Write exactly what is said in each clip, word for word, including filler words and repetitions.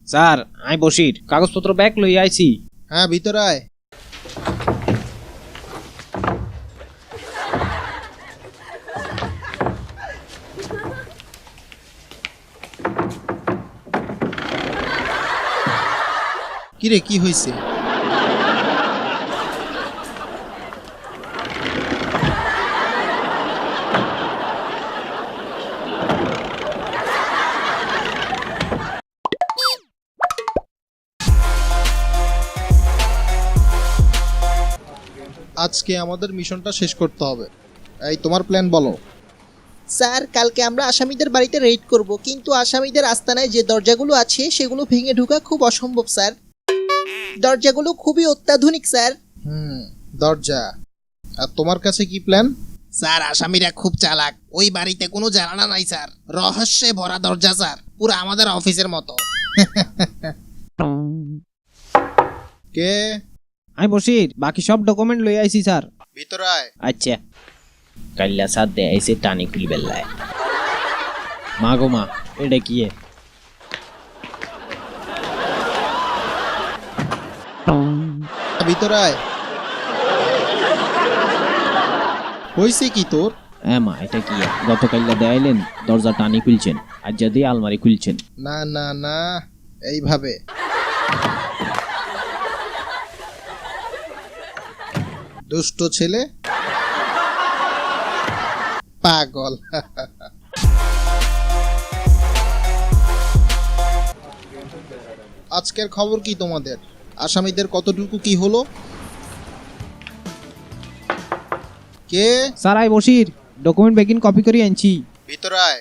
Sir আই বসির কাগজপত্র bag লই আইছি। হ্যাঁ ভিতরে আয়। কিরে কি হয়েছে? আজকে আমাদের মিশনটা শেষ করতে হবে। এই তোমার প্ল্যান বলো। স্যার কালকে আমরা আসামিদের বাড়িতে রেড করব, কিন্তু আসামিদের আস্তানায় যে দরজাগুলো আছে সেগুলো ভেঙে ঢোকা খুব অসম্ভব স্যার। দরজাগুলো খুবই অত্যাধুনিক স্যার। হুম দরজা। আর তোমার কাছে কি প্ল্যান? স্যার আসামিরা খুব চালাক, ওই বাড়িতে কোনো জানালা নাই স্যার, রহস্যে ভরা দরজা স্যার, পুরো আমাদের অফিসের মতো। কে? আই বসির বাকি সব ডকুমেন্ট লই আইছি স্যার। ভিতরে আয়। আচ্ছা কাল্লা সাথ দে আইছে টানি খুলি বেল্লায়। মা গো মা এটা কি এ? ভিতরে আয়। হয়েছে কি তোর? হ্যাঁ মা এটা কি এ? গতকাল্লা দেয়াইলেন দরজা টানি খুলছেন, আর যদি আলমারি খুলছেন। না না না এইভাবে। দুষ্ট ছেলে, পাগল। আজকের খবর কি তোমাদের? আসামিদের কতটুকু কি হলো? কে? স্যার আই বসির ডকুমেন্ট বেগিন কপি করে আনছি। ভিতরে আয়।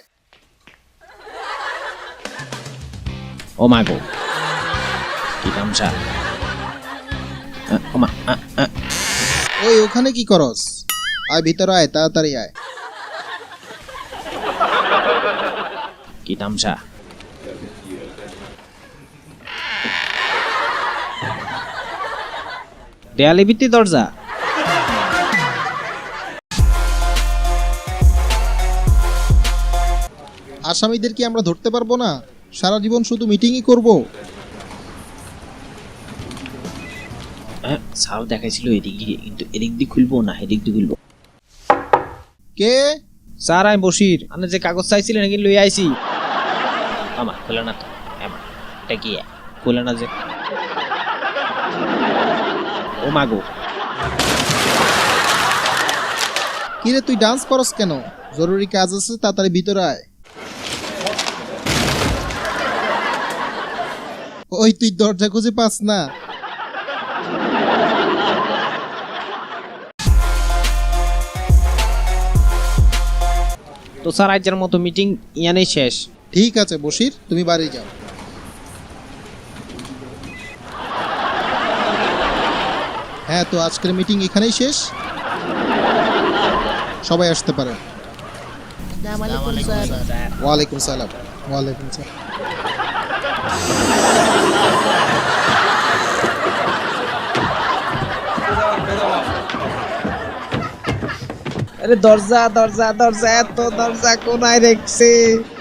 ও মা গো কি তামসা। আ, ও মা আ, আ। ওই ওখানে কি করস? আয় ভিতরে আয়, তাড়াতাড়ি আয়। কি তামসা। দেয়ালে ভিত্তি দরজা। আসামিদের কি আমরা ধরতে পারবো না? সারা জীবন শুধু মিটিংই করব। হ্যাঁ সাপ দেখাইছিল এদিক দিয়ে, কিন্তু এদিক দিয়ে খুলবো না এদিক দিয়ে খুলবো। কে? স্যার আমি বসির, আপনি যে কাগজ চাইছিলেন নাকি লই আইছি। আমা খোলা না তো। আমা এটা কি খোলা না যে। ও মা গো কিরে তুই ডান্স করস কেন? জরুরি কাজ আছে, তাড়াতাড়ি ভিতরে আয়। ওই তুই দরজা খুঁজে পাস না? তো স্যার আজকের মতো মিটিং ইয়ানেই শেষ। ঠিক আছে বশির, তুমি বাড়ি যাও। হ্যাঁ তো আজকের মিটিং এখানেই শেষ, সবাই আসতে পারেন। আসসালামু আলাইকুম স্যার। ওয়ালাইকুম সালাম। ওয়ালাইকুম সালাম। আরে দরজা দরজা দরজা এত দরজা কোনায় রেখছে।